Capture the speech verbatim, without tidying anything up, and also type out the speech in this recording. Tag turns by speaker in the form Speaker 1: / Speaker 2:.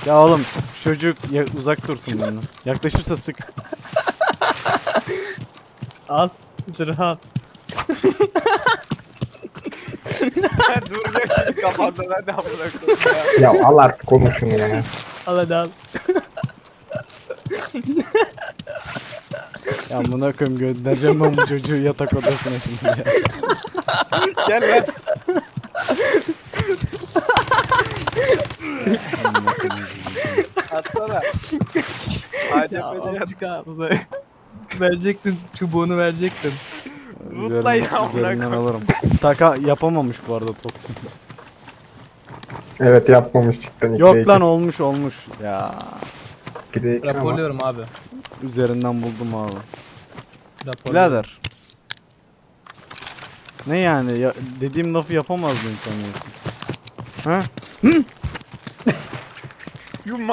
Speaker 1: Ya oğlum çocuk ya, uzak dursun benden. Yaklaşırsa sık.
Speaker 2: Al. Rahat.
Speaker 3: Duracak şimdi kafanda ben de amına koyayım ya.
Speaker 4: Ya al artık oğlum şunu ya.
Speaker 2: Al hadi al.
Speaker 1: Ya amına koyayım göndereceğim ben bu çocuğu yatak odasına şimdi ya.
Speaker 3: Gel lan.
Speaker 1: Amına koyayım.
Speaker 3: Atsana.
Speaker 2: Ya
Speaker 3: A C P'de yat.
Speaker 2: azıcık abi. Verecektin. Çubuğunu verecektin.
Speaker 3: Mutla ya,
Speaker 1: Üzerinden,
Speaker 3: amına
Speaker 1: üzerinden
Speaker 3: koyayım.
Speaker 1: alırım. Taka yapamamış bu arada Toksin.
Speaker 4: Evet yapmamış cidden. ikide
Speaker 1: Yok
Speaker 4: iki.
Speaker 1: lan olmuş olmuş. Ya
Speaker 4: ikide iki ama.
Speaker 2: Raporluyorum abi.
Speaker 1: üzerinden buldum abi.
Speaker 2: Raporluyorum.
Speaker 1: Birader. Ne yani ya, dediğim lafı yapamazdın sanıyorsun. Ha?
Speaker 3: Yumma.